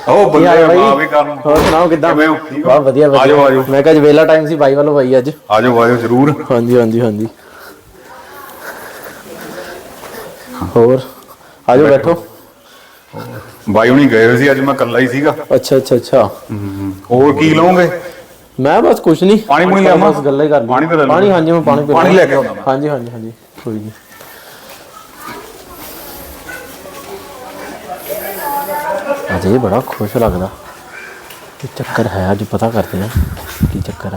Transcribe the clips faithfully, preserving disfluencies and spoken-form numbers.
ਉਹ ਬੰਦੇ ਆ ਵੀ ਕਰਨ ਹੋਰ ਸੁਣਾਓ ਕਿੱਦਾਂ? ਬਹੁਤ ਵਧੀਆ ਵਧੀਆ। ਆਜੋ ਆਜੋ। ਮੈਂ ਕਿਹਾ ਅੱਜ ਵੇਲਾ ਟਾਈਮ ਸੀ ਬਾਈ ਵੱਲੋਂ ਬਾਈ ਅੱਜ। ਆਜੋ ਆਜੋ ਜ਼ਰੂਰ। ਹਾਂਜੀ ਹਾਂਜੀ ਹਾਂਜੀ। ਹੋਰ ਆਜੋ ਬੈਠੋ। ਬਾਈ ਹੁਣੀ ਗਏ ਹੋਏ ਸੀ, ਅੱਜ ਮੈਂ ਇਕੱਲਾ ਹੀ ਸੀਗਾ। ਅੱਛਾ ਅੱਛਾ ਅੱਛਾ। ਹੋਰ ਕੀ ਲਓਗੇ? ਮੈਂ ਬਸ ਕੁਛ ਨਹੀਂ, ਪਾਣੀ ਪੂਣੀ ਲਿਆਵਾਂ? ਬਸ ਗੱਲਾਂ ਹੀ ਕਰਨੀ। ਪਾਣੀ ਤਾਂ ਲੈ ਲਓ। ਪਾਣੀ ਹਾਂਜੀ ਮੈਂ ਪਾਣੀ ਪੀ ਪਾਣੀ ਲੈ ਕੇ ਆਉਣਾ। ਹਾਂਜੀ ਹਾਂਜੀ ਹਾਂਜੀ ਕੋਈ ਨਹੀਂ। ਅੱਜ ਇਹ ਬੜਾ ਖੁਸ਼ ਲੱਗਦਾ। ਕੀ ਚੱਕਰ ਹੈ ਅੱਜ ਪਤਾ ਕਰਦੇ ਆ ਕੀ ਚੱਕਰ ਆ।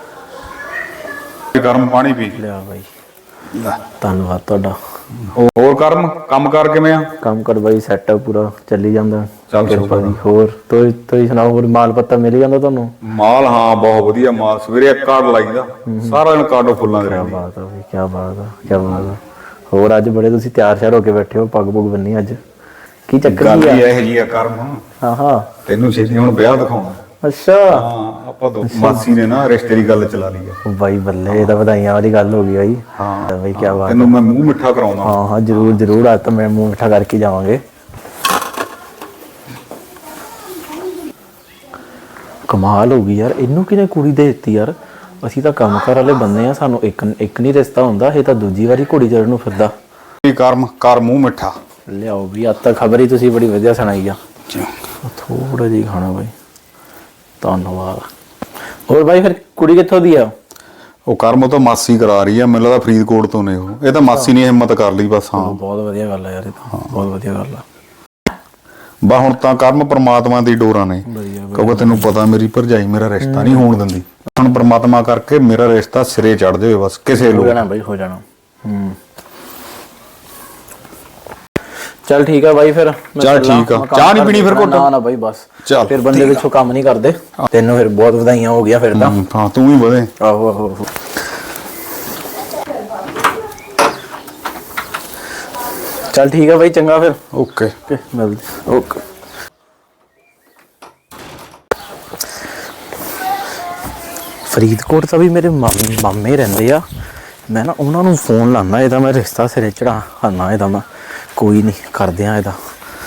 ਗਰਮ ਪਾਣੀ ਪੀ ਲਿਆ ਬਾਈ, ਧੰਨਵਾਦ ਤੁਹਾਡਾ। ਹੋਰ ਕਰਮ ਕੰਮ ਕਾਰ ਕਿਵੇਂ ਆ? ਕੰਮ ਕਰ ਬਾਈ ਸੈੱਟ ਪੂਰਾ ਚੱਲੀ ਜਾਂਦਾ ਕਿਰਪਾ ਦੀ। ਚੱਲ ਹੋਰ ਤੁਸੀਂ ਤੁਸੀਂ ਸੁਣਾਓ, ਹੋਰ ਮਾਲ ਪੱਤਾ ਮਿਲ ਜਾਂਦਾ ਤੁਹਾਨੂੰ? ਮਾਲ ਹਾਂ ਬਹੁਤ ਵਧੀਆ ਮਾਲ। ਸਵੇਰੇ ਇੱਕ ਕਾਰਡ ਲਾਈਦਾ, ਸਾਰਾ ਦਿਨ ਕਾਰਡੋ ਫੁੱਲਾਂ ਦੇ ਰਹਿੰਦੀ। ਕਿਆ ਬਾਤ ਆ ਬਈ, ਕਿਆ ਬਾਤ ਆ ਕਿਆ ਬਾਤ ਆ। ਹੋਰ ਅੱਜ ਬੜੇ ਤੁਸੀਂ ਤਿਆਰ ਸ਼ਿਆਰ ਹੋ ਕੇ ਬੈਠੇ ਹੋ, ਪੱਗ ਪੁੱਗ ਬੰਨੀ ਅੱਜ, ਕੀ ਚੱਕਰ ਗੱਲ ਕੀ ਆ? ਹੀ ਇਹੋ ਜਿਹੀ ਆ ਕਰਮ। ਹਾਂ ਹਾਂ ਤੈਨੂੰ ਛੇਤੀ ਹੁਣ ਵਿਆਹ ਦਿਖਾਉਣਾ। ਅੱਛਾ ਹਾਂ ਆਪਾਂ ਦੋ ਮਾਸੀ ਨੇ ਨਾ ਰਿਸ਼ਤੇ ਦੀ ਗੱਲ ਚਲਾ ਲਈ ਹੈ। ਬਾਈ ਬੱਲੇ, ਇਹ ਤਾਂ ਵਧਾਈਆਂ ਵਾਲੀ ਗੱਲ ਹੋ ਗਈ ਬਾਈ। ਹਾਂ ਬਾਈ ਕਿਆ ਬਾਤ। ਤੈਨੂੰ ਮੈਂ ਮੂੰਹ ਮਿੱਠਾ ਕਰਾਉਣਾ। ਹਾਂ ਹਾਂ ਜ਼ਰੂਰ ਜ਼ਰੂਰ, ਅੱਜ ਤਾਂ ਮੈਂ ਮੂੰਹ ਮਿੱਠਾ ਕਰਕੇ ਜਾਵਾਂਗੇ। ਕਮਾਲ ਹੋ ਗਈ ਯਾਰ, ਇਹਨੂੰ ਕਿਹਨੇ ਕੁੜੀ ਦੇ ਦਿੱਤੀ ਯਾਰ? ਅਸੀਂ ਤਾਂ ਕੰਮ ਕਾਰ ਵਾਲੇ ਬੰਦੇ ਆ, ਸਾਨੂੰ ਇੱਕ ਇੱਕ ਨਹੀਂ ਰਿਸ਼ਤਾ ਹੁੰਦਾ, ਇਹ ਤਾਂ ਦੂਜੀ ਵਾਰੀ ਘੋੜੀ ਚੜਨ ਨੂੰ ਫਿਰਦਾ। ਕਰਮ ਕਰ ਮੂੰਹ ਮਿੱਠਾ। ਲਿਆਓ ਵੀ, ਅੱਜ ਤਾਂ ਖਬਰ ਹੀ ਤੁਸੀਂ ਬੜੀ ਵਧੀਆ ਸੁਣਾਈ ਆ। ਥੋੜਾ ਜਿਹੀ ਖਾਣਾ ਬਾਈ, ਧੰਨਵਾਦ। ਹੋਰ ਬਾਈ ਫਿਰ ਕੁੜੀ ਕਿੱਥੋਂ ਦੀ ਆ? ਉਹ ਕਰਮ ਉਹ ਤਾਂ ਮਾਸੀ ਕਰਾ ਰਹੀ ਆ, ਮੈਨੂੰ ਲੱਗਦਾ ਫਰੀਦਕੋਟ ਤੋਂ ਨੇ ਉਹ। ਇਹ ਤਾਂ ਮਾਸੀ ਨੇ ਹਿੰਮਤ ਕਰ ਲਈ ਬਸ। ਹਾਂ ਬਹੁਤ ਵਧੀਆ ਗੱਲ ਆ ਯਾਰ, ਇਹ ਤਾਂ ਬਹੁਤ ਵਧੀਆ ਗੱਲ ਆ। ਬਾ ਹੁਣ ਤਾਂ ਕਰਮ ਪਰਮਾਤਮਾ ਦੀ ਡੋਰਾਂ ਨੇ, ਕਿਉਂਕਿ ਤੈਨੂੰ ਪਤਾ ਮੇਰੀ ਭਰਜਾਈ ਮੇਰਾ ਰਿਸ਼ਤਾ ਨਹੀਂ ਹੋਣ ਦਿੰਦੀ। ਹੁਣ ਪਰਮਾਤਮਾ ਕਰਕੇ ਮੇਰਾ ਰਿਸ਼ਤਾ ਸਿਰੇ ਚੜ ਜਾਵੇ ਬਸ, ਕਿਸੇ ਹੋ ਜਾਣਾ ਬਾਈ, ਹੋ ਜਾਣਾ। ਹੂੰ ਚੱਲ ਠੀਕ ਆ ਬਾਈ, ਫਿਰ ਚੱਲ ਠੀਕ ਆ। ਚਾਹ ਨਹੀਂ ਪੀਣੀ ਫਿਰ ਘੁੱਟ? ਨਾ ਨਾ ਬਾਈ ਬਸ, ਚੱਲ ਫਿਰ ਬੰਦੇ ਪਿੱਛੋਂ ਕੰਮ ਨਹੀਂ ਕਰਦੇ। ਤੈਨੂੰ ਫਿਰ ਬਹੁਤ ਵਧਾਈਆਂ ਹੋ ਗਿਆ ਫਿਰ ਤਾਂ। ਹਾਂ ਤੂੰ ਵੀ ਵਧੇ। ਆਹੋ ਆਹੋ ਆਹੋ। ਚੱਲ ਠੀਕ ਆ ਬਾਈ, ਚੰਗਾ ਫਿਰ। ਓਕੇ ਮਿਲਦੇ ਓਕੇ। ਫਰੀਦਕੋਟ ਤਾਂ ਵੀ ਮੇਰੇ ਮਾਮੇ ਮਾਮੇ ਰਹਿੰਦੇ ਆ। ਮੈਂ ਨਾ ਉਹਨਾਂ ਨੂੰ ਫੋਨ ਲਾਉਂਦਾ, ਇਹਦਾ ਮੈਂ ਰਿਸ਼ਤਾ ਸਿਰੇ ਚੜਾ ਆਉਣਾ। ਇਹਦਾ ਮੈਂ ਕੋਈ ਨਹੀਂ ਕਰਦੇ ਆ ਇਹਦਾ।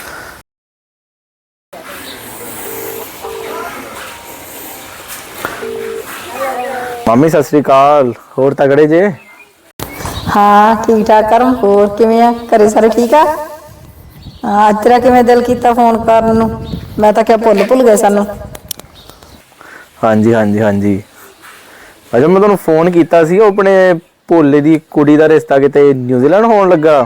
ਮਾਮੀ ਸਤਿ ਸ੍ਰੀ ਅਕਾਲ, ਹੋਰ ਤਗੜੇ ਜੇ? ਹਾਂ ਠੀਕ ਠਾਕ ਕਰਮ। ਹੋਰ ਕਿਵੇਂ ਆ, ਘਰੇ ਸਾਰੇ ਠੀਕ ਆ? ਹਾਂ ਅੱਜ ਤੇਰਾ ਕਿਵੇਂ ਦਿਲ ਕੀਤਾ ਫੋਨ ਕਰਨ ਨੂੰ? ਮੈਂ ਤਾਂ ਕਿਹਾ ਭੁੱਲ ਭੁੱਲ ਗਏ ਸਾਨੂੰ। ਹਾਂਜੀ ਹਾਂਜੀ ਹਾਂਜੀ। ਅੱਛਾ ਮੈਂ ਤੁਹਾਨੂੰ ਫੋਨ ਕੀਤਾ ਸੀ, ਉਹ ਆਪਣੇ ਭੋਲੇ ਦੀ ਕੁੜੀ ਦਾ ਰਿਸ਼ਤਾ ਕਿਤੇ ਨਿਊਜ਼ੀਲੈਂਡ ਹੋਣ ਲੱਗਾ।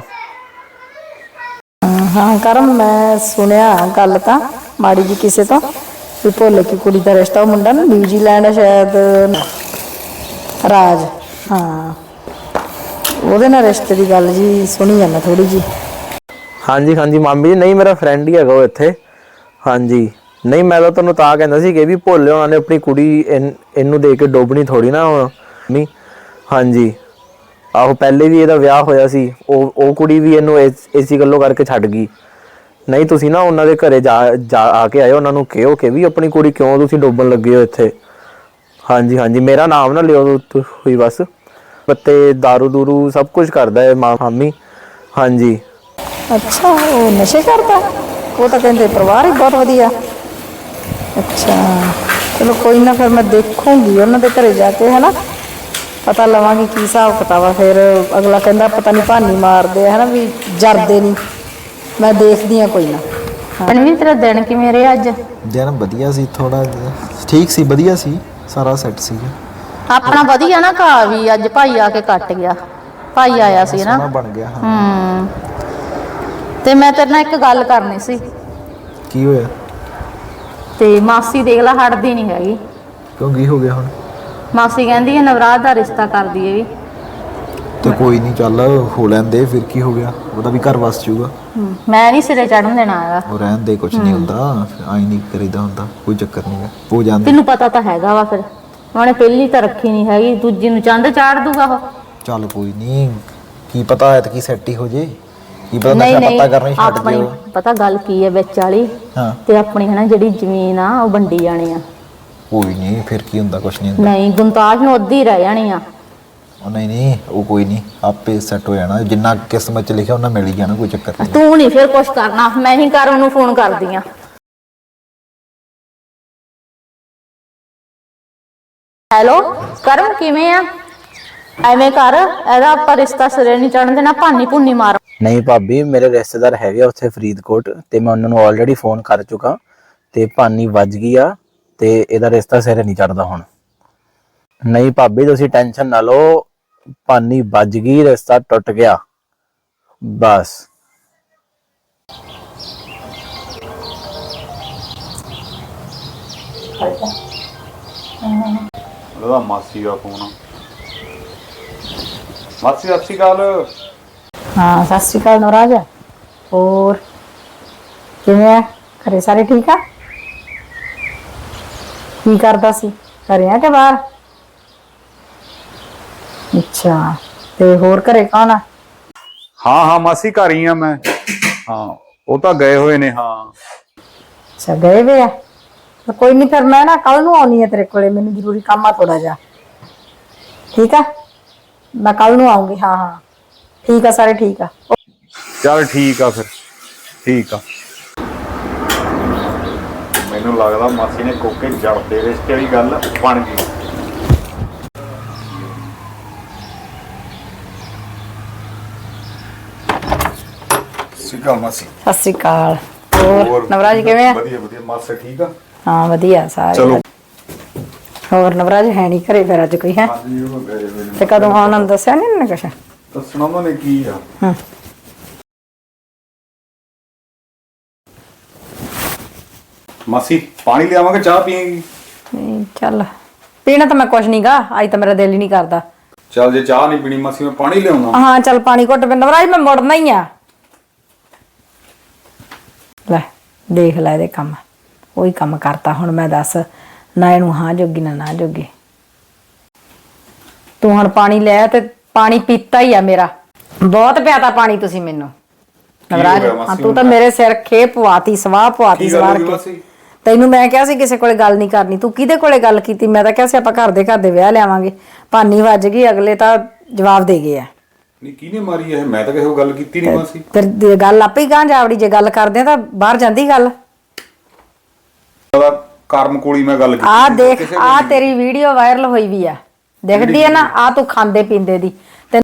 ਹਾਂ ਕਰਮ, ਮੈਂ ਸੁਣਿਆ ਗੱਲ ਤਾਂ ਮਾੜੀ ਜੀ ਕਿਸੇ ਤੋਂ ਵੀ ਭੋਲੇ ਕੀ ਕੁੜੀ ਦਾ ਰਿਸ਼ਤਾ, ਉਹ ਮੁੰਡਾ ਨਾ ਨਿਊਜ਼ੀਲੈਂਡ ਸ਼ਾਇਦ, ਰਾਜ, ਹਾਂ ਉਹਦੇ ਨਾਲ ਰਿਸ਼ਤੇ ਦੀ ਗੱਲ ਜੀ ਸੁਣੀ ਆ ਮੈਂ ਥੋੜੀ ਜੀ। ਹਾਂਜੀ ਹਾਂਜੀ ਮਾਮੀ ਜੀ, ਨਹੀਂ ਮੇਰਾ ਫਰੈਂਡ ਹੀ ਹੈਗਾ ਉਹ ਇੱਥੇ। ਹਾਂਜੀ ਨਹੀਂ ਮੈਂ ਤਾਂ ਤੁਹਾਨੂੰ ਤਾਂ ਕਹਿੰਦਾ ਸੀ ਕਿ ਵੀ ਭੋਲੇ ਉਹਨਾਂ ਨੇ ਆਪਣੀ ਕੁੜੀ ਇਹਨੂੰ ਦੇ ਕੇ ਡੋਬਣੀ ਥੋੜੀ ਨਾ ਹੁਣ। ਨਹੀਂ ਹਾਂਜੀ ਆਹੋ, ਪਹਿਲੇ ਵੀ ਇਹਦਾ ਵਿਆਹ ਹੋਇਆ ਸੀ, ਉਹ ਉਹ ਕੁੜੀ ਵੀ ਇਹਨੂੰ ਇਸ ਇਸੀ ਗੱਲੋਂ ਕਰਕੇ ਛੱਡ ਗਈ। ਨਹੀਂ ਤੁਸੀਂ ਨਾ ਉਹਨਾਂ ਦੇ ਘਰੇ ਜਾ ਜਾ ਆ ਕੇ ਆਇਓ, ਉਹਨਾਂ ਨੂੰ ਕਿਹੋ ਕਿ ਵੀ ਆਪਣੀ ਕੁੜੀ ਕਿਉਂ ਤੁਸੀਂ ਡੋਬਣ ਲੱਗੇ ਹੋ ਇੱਥੇ। ਹਾਂਜੀ ਹਾਂਜੀ ਮੇਰਾ ਨਾਮ ਨਾ ਲਿਓ ਹੋਈ ਬਸ। ਪੱਤੇ ਦਾਰੂ ਦੂਰੂ ਸਭ ਕੁਝ ਕਰਦਾ ਹੈ ਮਾਮੀ। ਹਾਂਜੀ ਅੱਛਾ ਉਹ ਨਸ਼ੇ ਕਰਦਾ? ਉਹ ਤਾਂ ਕਹਿੰਦੇ ਪਰਿਵਾਰ ਹੀ ਬਹੁਤ ਵਧੀਆ। ਅੱਛਾ ਚਲੋ ਕੋਈ ਨਾ, ਫਿਰ ਮੈਂ ਦੇਖੂੰਗੀ ਉਹਨਾਂ ਦੇ ਘਰੇ ਜਾ ਕੇ, ਹੈ ਨਾ ਪਤਾ ਲਵਾਂਗੀ ਕੀ ਹਿਸਾਬ ਕਿਤਾਬ ਆ। ਫਿਰ ਅਗਲਾ ਕਹਿੰਦਾ ਪਤਾ ਨਹੀਂ ਭਾਨੀ ਮਾਰਦੇ ਹੈ ਨਾ, ਵੀ ਜਰਦੇ ਨਹੀਂ। ਮੈਂ ਦੇਖਦੀ ਹਾਂ ਕੋਈ ਨਾ। ਵੀ ਤੇਰਾ ਦਿਨ ਕਿਵੇਂ ਰਿਹਾ ਅੱਜ? ਦਿਨ ਵਧੀਆ ਸੀ, ਥੋੜਾ ਠੀਕ ਸੀ, ਵਧੀਆ ਸੀ, ਸਾਰਾ ਸੈੱਟ ਸੀ। ਆਪਣਾ ਵਧੀਆ ਨਾ ਘਾ ਵੀ ਅੱਜ ਭਾਈ ਆ ਕੇ ਕੱਟ ਗਿਆ। ਭਾਈ ਆਇਆ ਸੀ ਨਾ, ਬਣ ਗਿਆ। ਹੂੰ ਤੇ ਮੈਂ ਤੇਰੇ ਨਾਲ ਇੱਕ ਗੱਲ ਕਰਨੀ ਸੀ। ਕੀ ਹੋਇਆ? ਤੇ ਮਾਸੀ ਦੇਖ ਲਾ ਹਟਦੀ ਨਹੀਂ ਹੈਗੀ। ਕਿਉਂ ਕੀ ਹੋ ਗਿਆ ਹੁਣ? ਮਾਸੀ ਕਹਿੰਦੀ ਹੈ ਨਵਰਾਤ ਦਾ ਰਿਸ਼ਤਾ ਕਰ ਦਈਏ ਵੀ। ਤੇ ਕੋਈ ਨਹੀਂ ਚੱਲ ਹੋ ਲੈਂਦੇ, ਫਿਰ ਕੀ ਹੋ ਗਿਆ, ਉਹਦਾ ਵੀ ਘਰ ਵਸ ਜਾਊਗਾ। ਮੈਂ ਨਹੀਂ ਸਿਰੇ ਚੜਨ ਦੇਣਾ ਹੈਗਾ। ਉਹ ਰਹਿਣ ਦੇ, ਕੁਝ ਨਹੀਂ ਹੁੰਦਾ, ਆਈ ਨਹੀਂ ਕਰੀਦਾ ਹੁੰਦਾ, ਕੋਈ ਚੱਕਰ ਨਹੀਂ ਹੈ, ਹੋ ਜਾਂਦੇ। ਤੈਨੂੰ ਪਤਾ ਤਾਂ ਹੈਗਾ ਵਾ, ਫਿਰ ਉਹਨੇ ਪਹਿਲੀ ਤਾਂ ਰੱਖੀ ਨਹੀਂ ਹੈਗੀ, ਦੂਜੀ ਨੂੰ ਚੰਦ ਚਾੜ ਦੂਗਾ ਉਹ। ਚੱਲ ਕੋਈ ਨਹੀਂ, ਕੀ ਪਤਾ ਹੈ ਤਾਂ ਕੀ ਸੈੱਟ ਹੀ ਹੋ ਜੇ, ਕੀ ਪਤਾ ਨਹੀਂ ਨਸ਼ਾ ਨਹੀਂ ਪਤਾ ਕਰਨਾ ਹੀ ਛੱਡ ਆਪਣੀ ਦਿਓ। ਪਤਾ ਗੱਲ ਕੀ ਹੈ ਵਿੱਚ ਵਾਲੀ, ਹਾਂ ਤੇ ਆਪਣੀ ਹੈ ਨਾ ਜਿਹੜੀ ਜ਼ਮੀਨ ਆ ਉਹ ਵੰਡੀ ਜਾਣੀ ਆ। ਕੋਈ ਨਹੀਂ, ਫਿਰ ਕੀ ਹੁੰਦਾ, ਕੁਝ ਨਹੀਂ ਹੁੰਦਾ। ਨਹੀਂ ਗੁੰਤਾਜ ਨੂੰ ਅੱਧੀ ਰਹਿ ਜਾਣੀ ਆ। ਉਹ ਨਹੀਂ ਨਹੀਂ, ਉਹ ਕੋਈ ਨਹੀਂ, ਆਪੇ ਸੈੱਟ ਹੋ ਜਾਣਾ, ਜਿੰਨਾ ਕਿਸਮਤ 'ਚ ਲਿਖਿਆ ਉਹਨਾਂ ਮਿਲ ਹੀ ਜਾਣਾ, ਕੋਈ ਚੱਕਰ ਨਹੀਂ। ਤੂੰ ਨਹੀਂ ਫਿਰ ਕੁਛ ਕਰਨਾ, ਮੈਂ ਹੀ ਕਰ ਉਹਨੂੰ ਫੋਨ ਕਰਦੀ ਆ। ਹੈਲੋ ਕਰਮ ਕਿਵੇਂ ਆ? ਐਵੇਂ ਕਰ, ਇਹਦਾ ਆਪਾਂ ਰਿਸ਼ਤਾ ਸਿਰੇ ਨਹੀਂ ਚੜਨ ਦੇਣਾ, ਭਾਨੀ ਭੁੰਨੀ ਮਾਰ। ਨਹੀਂ ਭਾਬੀ, ਮੇਰੇ ਰਿਸ਼ਤੇਦਾਰ ਹੈਗੇ ਆ ਉੱਥੇ ਫਰੀਦਕੋਟ ਤੇ ਮੈਂ ਉਹਨਾਂ ਨੂੰ ਆਲਰੇਡੀ ਫੋਨ ਕਰ ਚੁੱਕਾ ਤੇ ਭਾਨੀ ਵੱਜ ਗਈ ਆ ਤੇ ਇਹਦਾ ਰਿਸ਼ਤਾ ਸਿਰੇ ਨਹੀਂ ਚੜਦਾ ਹੁਣ। ਨਹੀਂ ਭਾਬੀ ਤੁਸੀਂ ਟੈਨਸ਼ਨ ਨਾ ਲਓ, ਭਾਨੀ ਵੱਜ ਗਈ, ਰਿਸ਼ਤਾ ਟੁੱਟ ਗਿਆ ਬਸ। ਉਹਦਾ ਮਾਸੀ ਦਾ ਫੋਨ ਆ। ਮਾਸੀ ਸਤਿ ਸ਼੍ਰੀ ਅਕਾਲ। ਹਾਂ ਸਤਿ ਸ਼੍ਰੀ ਅਕਾਲ ਨਵਰਾਜ। ਹੋਰ ਕਿਵੇਂ ਆ? ਘਰੇ ਸਾਰੇ ਠੀਕ ਆ? ਕੀ ਕਰਦਾ ਸੀ? ਘਰੇ ਆ ਕਿ ਬਾਹਰ? ਅੱਛਾ, ਤੇ ਹੋਰ ਘਰੇ ਕੌਣ ਆ? ਹਾਂ ਹਾਂ ਮਾਸੀ ਘਰ ਹੀ ਆ ਮੈਂ। ਹਾਂ ਉਹ ਤਾਂ ਗਏ ਹੋਏ ਨੇ। ਹਾਂ ਅੱਛਾ ਗਏ ਵੇ ਆ। ਤਾਂ ਕੋਈ ਨਹੀਂ, ਫਿਰ ਮੈਂ ਨਾ ਕੱਲ ਨੂੰ ਆਉਣੀ ਆ ਤੇਰੇ ਕੋਲੇ, ਮੈਨੂੰ ਜ਼ਰੂਰੀ ਕੰਮ ਆ ਥੋੜਾ ਜਿਹਾ। ਠੀਕ ਆ, ਮੈਂ ਕੱਲ ਨੂੰ ਆਉਂਗੀ। ਹਾਂ ਹਾਂ ਠੀਕ ਆ, ਸਾਰੇ ਠੀਕ ਆ। ਚੱਲ ਠੀਕ ਆ ਫਿਰ, ਠੀਕ ਆ। ਮੈਨੂੰ ਲੱਗਦਾ ਮਾਸੀ ਨੇ ਕੋਕੇ ਜੜ ਦੇ ਰਿਸ਼ਤੇ ਵਾਲੀ ਗੱਲ ਬਣ ਗਈ। ਸਿੱਕਾ ਮਾਸੀ। ਸਤਿ ਸ਼੍ਰੀ ਅਕਾਲ। ਹੋਰ ਨਵਰਾਜ ਕਿਵੇਂ ਆ? ਵਧੀਆ ਵਧੀਆ। ਮਾਸੀ ਠੀਕ ਆ? ਹਾਂ ਵਧੀਆ ਸਾਰੇ। ਚਲੋ। ਹੋਰ ਨਵਰਾਜ ਹੈ ਨਹੀਂ ਘਰੇ ਫਿਰ ਅੱਜ ਕੋਈ? ਹੈ ਹਾਂਜੀ ਉਹ ਗਏ ਹੋਏ ਨੇ। ਤੇ ਕਦੋਂ ਆਉਣਾ ਦੱਸਿਆ ਨਹੀਂ ਇਹਨੇ ਕੁਛ? ਦੱਸਣਾ ਉਹਨਾਂ ਨੇ ਕੀ ਆ। ਹਾਂ ਮਾਸੀ ਪਾਣੀ ਲਿਆਵਾਂਗੇ, ਚਾਹ ਪੀਏਗੀ? ਨਹੀਂ ਚੱਲ, ਪੀਣਾ ਤਾਂ ਮੈਂ ਕੁਛ ਨਹੀਂ ਗਾ, ਅੱਜ ਤਾਂ ਮੇਰਾ ਦਿਲ ਹੀ ਨਹੀਂ ਕਰਦਾ। ਚੱਲ ਜੇ ਚਾਹ ਨਹੀਂ ਪੀਣੀ ਮਾਸੀ, ਮੈਂ ਪਾਣੀ ਲਿਆਉਣਾ। ਹਾਂ ਚੱਲ ਪਾਣੀ ਘੁੱਟ ਪੀ। ਨਵਰਾਜ ਮੈਂ ਮੁੜਨਾ ਹੀ ਆ। ਲੈ ਦੇਖ ਲੈ ਇਹਦੇ ਕੰਮ, ਉਹੀ ਕੰਮ ਕਰਤਾ ਹੁਣ। ਮੈਂ ਦੱਸ, ਨਾ ਇਹਨੂੰ ਹਾਂ ਜੋਗੀ ਨਾ ਨਾ ਜੋਗੀ। ਤੂੰ ਹੁਣ ਪਾਣੀ ਲੈ ਤੇ ਪਾਣੀ ਪੀਤਾ ਹੀ ਆ ਮੇਰਾ। ਬਹੁਤ ਪਿਆਤਾ ਪਾਣੀ ਤੁਸੀਂ ਮੈਨੂੰ ਨਵਰਾਜ। ਹਾਂ ਤੂੰ ਤਾਂ ਮੇਰੇ ਸਿਰ ਖੇ ਪਵਾਤੀ, ਸਵਾਹ ਪਵਾਤੀ ਸਵਾਰ ਕੇ। ਤੈਨੂੰ ਮੈਂ ਕਿਹਾ ਸੀ ਕਿਸੇ ਕੋਲੇ ਗੱਲ ਨਹੀਂ ਕਰਨੀ, ਤੂੰ ਕਿਹਦੇ ਕੋਲੇ ਗੱਲ ਕੀਤੀ? ਮੈਂ ਤਾਂ ਕਿਹਾ ਸੀ ਆਪਾਂ ਘਰ ਦੇ ਘਰ ਦੇ ਵਿਆਹ ਲਿਆਵਾਂਗੇ। ਭਾਨੀ ਵੱਜ ਗਈ, ਅਗਲੇ ਤਾਂ ਜਵਾਬ ਦੇ ਗਏ ਆ। ਨਹੀਂ ਕਿਹਨੇ ਮਾਰੀ ਇਹ? ਮੈਂ ਤਾਂ ਕਿਸੇ ਕੋਲ ਗੱਲ ਕੀਤੀ ਨਹੀਂ ਮਾਸੀ। ਤੇ ਗੱਲ ਆਪੇ ਹੀ ਗਾਂ ਜਾਵੜੀ, ਜੇ ਗੱਲ ਕਰਦੇ ਆ ਤਾਂ ਬਾਹਰ ਜਾਂਦੀ ਗੱਲ। ਕਰਮ ਕੋਲੀ ਮੈਂ ਗੱਲ ਕੀਤੀ। ਆ ਦੇਖ, ਆ ਤੇਰੀ ਵੀਡੀਓ ਵਾਇਰਲ ਹੋਈ ਵੀ ਆ, ਦਿਖਦੀ ਆ ਨਾ? ਆ ਤੂੰ ਖਾਂਦੇ ਪੀਂਦੇ ਦੀ।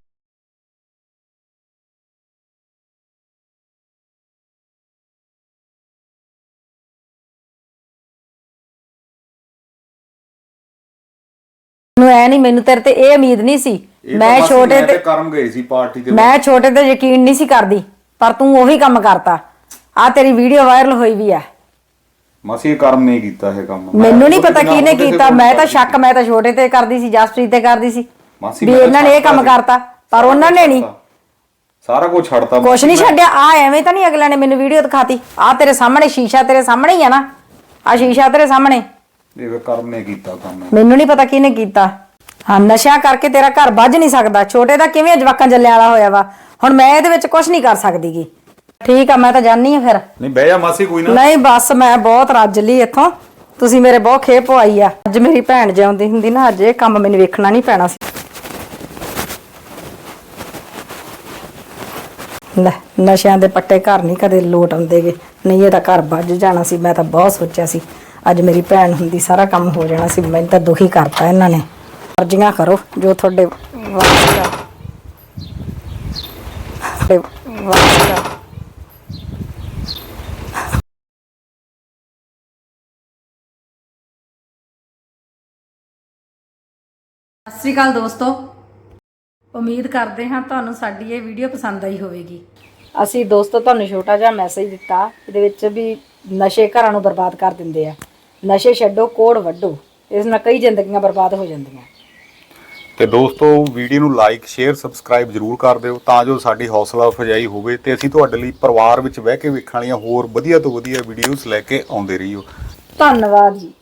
ਮੈਨੂੰ ਐ ਨਹੀਂ, ਮੈਨੂੰ ਤੇਰੇ ਤੇ ਇਹ ਉਮੀਦ ਨਹੀਂ ਸੀ। ਮੈਂ ਛੋਟੇ ਤੇ ਕਰਮ ਗਏ ਸੀ ਪਾਰਟੀ ਤੇ, ਮੈਂ ਛੋਟੇ ਤੇ ਯਕੀਨ ਨਹੀਂ ਸੀ ਕਰਦੀ, ਪਰ ਤੂੰ ਉਹੀ ਕੰਮ ਕਰਤਾ। ਆ ਤੇਰੀ ਵੀਡੀਓ ਵਾਇਰਲ ਹੋਈ ਵੀ ਆ। ਮਾਸੀ ਕਰਮ ਨਹੀਂ ਕੀਤਾ ਇਹ ਕੰਮ। ਮੈਨੂੰ ਨਹੀਂ ਪਤਾ ਕਿਹਨੇ ਕੀਤਾ, ਮੈਂ ਤਾਂ ਸ਼ੱਕ ਮੈਂ ਤਾਂ ਛੋਟੇ ਤੇ ਕਰਦੀ ਸੀ, ਜਸਪ੍ਰੀਤ ਤੇ ਕਰਦੀ ਸੀ ਵੀ ਇਹਨਾਂ ਨੇ ਇਹ ਕੰਮ ਕਰਤਾ, ਪਰ ਉਹਨਾਂ ਨੇ ਨਹੀਂ। ਸਾਰਾ ਕੁਝ ਛੱਡਤਾ, ਕੁਛ ਨਹੀਂ ਛੱਡਿਆ। ਆ ਐਵੇਂ ਤਾਂ ਨਹੀਂ ਅਗਲਿਆਂ ਨੇ ਮੈਨੂੰ ਵੀਡੀਓ ਦਿਖਾਤੀ? ਆ ਤੇਰੇ ਸਾਹਮਣੇ ਸ਼ੀਸ਼ਾ, ਤੇਰੇ ਸਾਹਮਣੇ ਹੀ ਆ ਨਾ? ਆ ਸ਼ੀਸ਼ਾ ਤੇਰੇ ਸਾਹਮਣੇ। ਇਹ ਕਰਮ ਨੇ ਕੀਤਾ ਕੰਮ। ਮੈਨੂੰ ਨਹੀਂ ਪਤਾ ਕਿਹਨੇ ਕੀਤਾ। ਹਾਂ ਨਸ਼ਾ ਕਰਕੇ ਤੇਰਾ ਘਰ ਵੱਜ ਨਹੀਂ ਸਕਦਾ। ਛੋਟੇ ਦਾ ਕਿਵੇਂ ਜਵਾਕਾਂ ਜੱਲਿਆਂ ਵਾਲਾ ਹੋਇਆ ਵਾ। ਹੁਣ ਮੈਂ ਇਹਦੇ ਵਿੱਚ ਕੁਝ ਨਹੀਂ ਕਰ ਸਕਦੀ ਗੀ। ਠੀਕ ਆ, ਮੈਂ ਤਾਂ ਜਾਣੀ ਆ ਫਿਰ। ਨਹੀਂ ਬਹਿ ਜਾ ਮਾਸੀ, ਕੋਈ ਨਾ। ਨਹੀਂ ਬਸ ਮੈਂ ਬਹੁਤ ਰੱਜ ਲਈ ਇੱਥੋਂ। ਤੁਸੀਂ ਮੇਰੇ ਬਹੁਤ ਖੇਪ ਪਵਾਈ ਆ। ਅੱਜ ਮੇਰੀ ਭੈਣ ਜਿਉਂਦੀ ਹੁੰਦੀ ਨਾ, ਅੱਜ ਇਹ ਕੰਮ ਮੈਨੂੰ ਵੇਖਣਾ ਨਹੀਂ ਪੈਣਾ ਸੀ। ਲੈ ਨਸ਼ਿਆਂ ਦੇ ਪੱਟੇ ਘਰ ਨਹੀਂ ਕਦੇ ਲੋਟ ਆਉਂਦੇਗੇ, ਨਹੀਂ ਇਹਦਾ ਘਰ ਵੱਜ ਜਾਣਾ ਸੀ। ਮੈਂ ਤਾਂ ਬਹੁਤ ਸੋਚਿਆ ਸੀ ਅੱਜ ਮੇਰੀ ਭੈਣ ਹੁੰਦੀ ਸਾਰਾ ਕੰਮ ਹੋ ਜਾਣਾ ਸੀ। ਮੈਨੂੰ ਤਾਂ ਦੁਖੀ ਕਰਤਾ ਇਹਨਾਂ ਨੇ। ਮਰਜ਼ੀਆਂ ਕਰੋ ਜੋ ਤੁਹਾਡੇ ਵਾਸਤੇ ਆ। ਵਾਸਤੇ ਆ। ਸਤਿ ਸ਼੍ਰੀ ਅਕਾਲ ਦੋਸਤੋ, ਉਮੀਦ ਕਰਦੇ ਹਾਂ ਤੁਹਾਨੂੰ ਸਾਡੀ ਇਹ ਵੀਡੀਓ ਪਸੰਦ ਆਈ ਹੋਵੇਗੀ। ਅਸੀਂ ਦੋਸਤੋ ਤੁਹਾਨੂੰ ਛੋਟਾ ਜਿਹਾ ਮੈਸੇਜ ਦਿੱਤਾ, ਇਹਦੇ ਵਿੱਚ ਵੀ ਨਸ਼ੇ ਘਰਾਂ ਨੂੰ ਬਰਬਾਦ ਕਰ ਦਿੰਦੇ ਆ। ਨਸ਼ੇ ਛੱਡੋ, ਕੋੜ ਵੱਢੋ, ਇਸ ਨਾਲ ਕਈ ਜ਼ਿੰਦਗੀਆਂ ਬਰਬਾਦ ਹੋ ਜਾਂਦੀਆਂ। ਤੇ ਦੋਸਤੋ ਵੀਡੀਓ ਨੂੰ ਲਾਈਕ, ਸ਼ੇਅਰ, ਸਬਸਕ੍ਰਾਈਬ ਜ਼ਰੂਰ ਕਰ ਦਿਓ ਤਾਂ ਜੋ ਸਾਡੀ ਹੌਸਲਾ ਅਫਜ਼ਾਈ ਹੋਵੇ ਤੇ ਅਸੀਂ ਤੁਹਾਡੇ ਲਈ ਪਰਿਵਾਰ ਵਿੱਚ ਬਹਿ ਕੇ ਵੇਖਣ ਵਾਲੀਆਂ ਹੋਰ ਵਧੀਆ ਤੋਂ ਵਧੀਆ ਵੀਡੀਓਜ਼ ਲੈ ਕੇ ਆਉਂਦੇ ਰਹੀਓ। ਧੰਨਵਾਦ ਜੀ।